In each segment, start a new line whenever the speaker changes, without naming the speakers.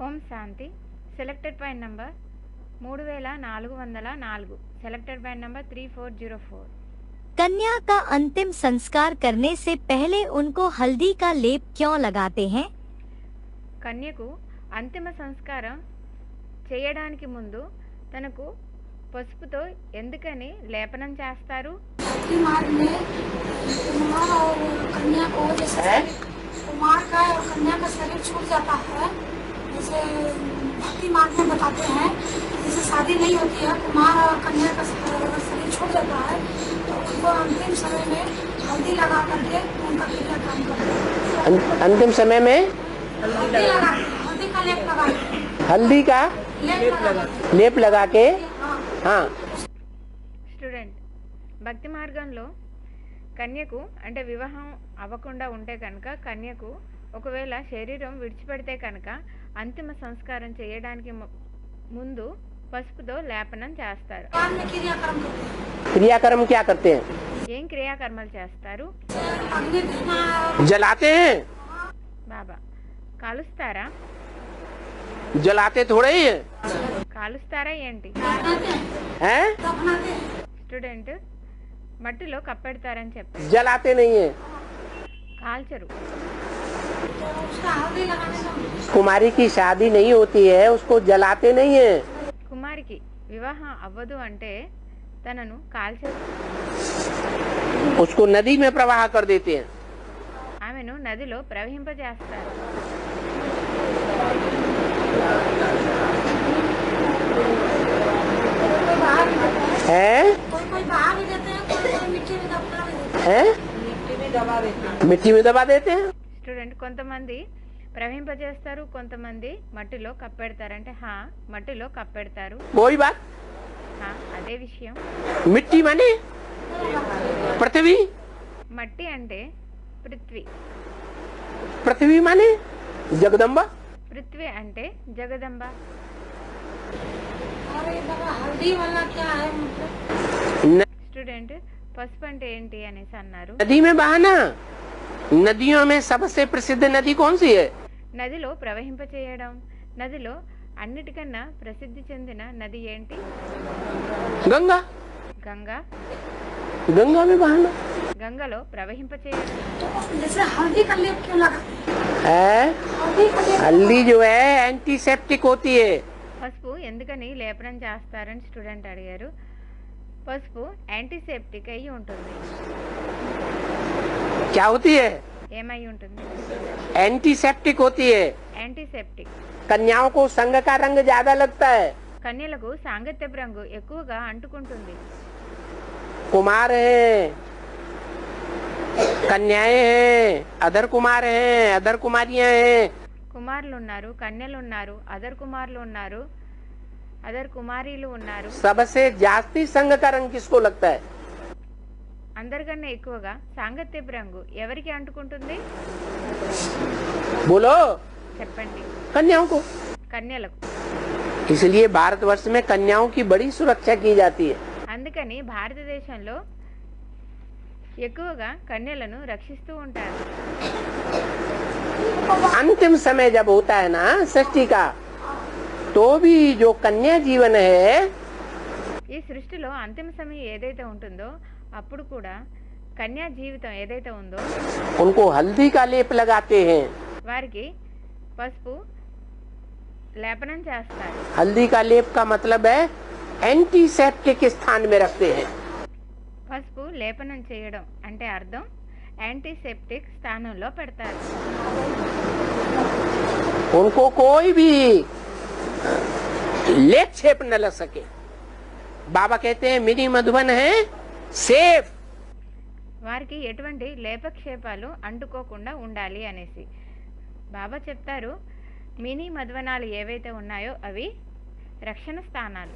ఓం శాంతి. Selected point number 3404. Selected point number 3404.
कन्या का अंतिम संस्कार करने से पहले उनको हल्दी का लेप क्यों लगाते हैं?
కన్యకు అంతిమ సంస్కారం చేయడానికి ముందు తనకు పసుపుతో ఎందుకని లేపనం చేస్తారు?
कुमार में कुमार और कन्या को जैसे कुमार का और कन्या का शरीर छूट जाता है, जैसे भक्ति मार्ग में बताते हैं, जैसे शादी नहीं होती है, कुमार और कन्या का शरीर छूट जाता है तो उनको अंतिम समय में हल्दी लगा करके उनका क्रियाक्रम करते हैं।
अंतिम समय में
हल्दी लगाते हैं, हल्दी का लेप लगाते हैं,
हल्दी का लेप लगा के हाँ।
స్టూడెంట్, భక్తి మార్గంలో కన్యకు అంటే వివాహం అవ్వకుండా ఉంటే కనుక కన్యకు ఒకవేళ శరీరం విడిచిపెడితే కనుక అంతిమ సంస్కారం చేయడానికి ముందు పసుపుతో లేపనం చేస్తారు.
बाद में क्रियाक्रम करते हैं।
क्रियाक्रम क्या करते हैं?
ఏం క్రియాకర్మలు చేస్తారు?
अग्नि धुआं
जलाते हैं?
బాబా కాలుస్తారా?
जलाते थोड़े ही हैं?
కాలుస్తారా ఏంటి?
हैं?
दफनाते हैं,
స్టూడెంట్, మట్టిలో కప్పెడతారని చెప్పారు,
जलाते नहीं है।
కాల్చరు.
तो उसका हल्दी लगाने का
कुमारी की शादी नहीं होती है, उसको जलाते नहीं है।
కుమారికి వివాహం అవ్వదు అంటే తనను కాల్చరు,
उसको नदी में प्रवाह कर देते हैं।
ఆమెను నదిలో ప్రవహింపజేస్తారు.
कोई बाहर भी देते हैं,
हैं?
कोई बाहर भी देते हैं, कोई मिट्टी में दफना भी देते
हैं? मिट्टी में दबा देते हैं।
స్టూడెంట్, కొంతమంది ప్రవహింపజేస్తారు, కొంతమంది మట్టిలో కప్పెడతారంటే హా మట్టిలో కప్పెడతారు.
वही बात।
హా అదే విషయం.
मिट्टी माने पृथ्वी,
మట్టి అంటే పృథ్వీ,
पृथ्वी माने जगदम्बा।
పృథ్వీ అంటే జగదంబ.
हैं। और ये दवा हल्दी वाला क्या है मतलब?
न-
స్టూడెంట్, పసుపు అంటే ఏంటి అనేసి అన్నారు.
नदी में बहाना। नदियों में सबसे प्रसिद्ध नदी कौन सी है?
నదిలో ప్రవహింపచేయడం. నదిలో అన్నిటికన్నా ప్రసిద్ధి చెందిన నది ఏంటి?
गंगा।
గంగా.
गंगा में बहाना
గంగలో ప్రవహింపచేయడం.
जैसे हल्दी का लेप क्यों लगाते हैं?
है।
हल्दी का लेप
हल्दी जो है एंटीसेप्टिक होती है।
పసుపు ఎందుకని లేపనం చేస్తారని స్టూడెంట్ అడిగారు. పసుపు యాంటీసెప్టిక్ అయి ఉంటుంది.
क्या होती है?
ఏమై ఉంటుంది?
एंटीसेप्टिक होती है।
యాంటీసెప్టిక్.
कन्याओं को संग का रंग ज्यादा लगता है।
కన్యలకు సాంగత్యపు రంగు ఎక్కువగా అంటుకుంటుంది.
कुमार हैं, कन्याएं हैं, अदर कुमार हैं, अदर कुमारियां हैं।
కుమారులు ఉన్నారు, కన్యలు ఉన్నారు, అదర్ కుమారులు ఉన్నారు, అదర్ కుమారీలు ఉన్నారు.
सबसे जास्ती संग का रंग किसको लगता है?
అందరికన్నా ఎక్కువగా సాంగత్యపు రంగు ఎవరికి అంటుకుంటుంది?
बोलो।
చెప్పండి.
कन्याओं को।
కన్యలకు.
इसलिए भारतवर्ष में कन्याओं की बड़ी सुरक्षा की जाती है।
అందుకని భారతదేశంలో ఎక్కువగా కన్యలను రక్షిస్తూ ఉంటారు.
अंतिम समय जब होता है ना सृष्टि का, तो भी जो कन्या जीवन है
ఈ సృష్టిలో అంతిమ సమయం ఏదైతే ఉంటుందో అప్పుడు కూడా కన్యా జీవితం ఏదైతే ఉందో
उनको हल्दी का लेप लगाते हैं।
వారికి పసుపు లేపనం చేస్తారు.
हल्दी का लेप का मतलब है एंटीसेप्टिक स्थान में रखते हैं।
పసుపు లేపనం చేయడం అంటే అర్థం యాంటీసెప్టిక్ స్థానంలో పెడతారు.
उनको कोई भी लेप छेप न लग सके। बाबा कहते हैं मिनी मधुबन है सेफ।
వారికి ఎటువంటి లేపక్షేపాలు అంటుకోకుండా ఉండాలి అనేసి బాబా చెప్తారు. మినీ మధ్వనాలు ఏవైతే ఉన్నాయో అవి రక్షణ స్థానాలు.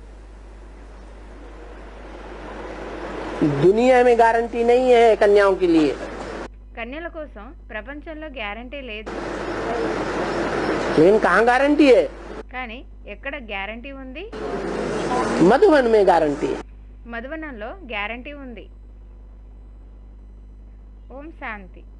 दुनिया में गारंटी नहीं है कन्याओं के लिए,
కన్యల కోసం ప్రపంచంలో గ్యారంటీ లేదు.
लेकिन कहाँ गारंटी है?
కానీ ఎక్కడ గ్యారంటీ ఉంది?
मधुबन में गारंटी है।
మధువనంలో గ్యారంటీ ఉంది. ఓం శాంతి.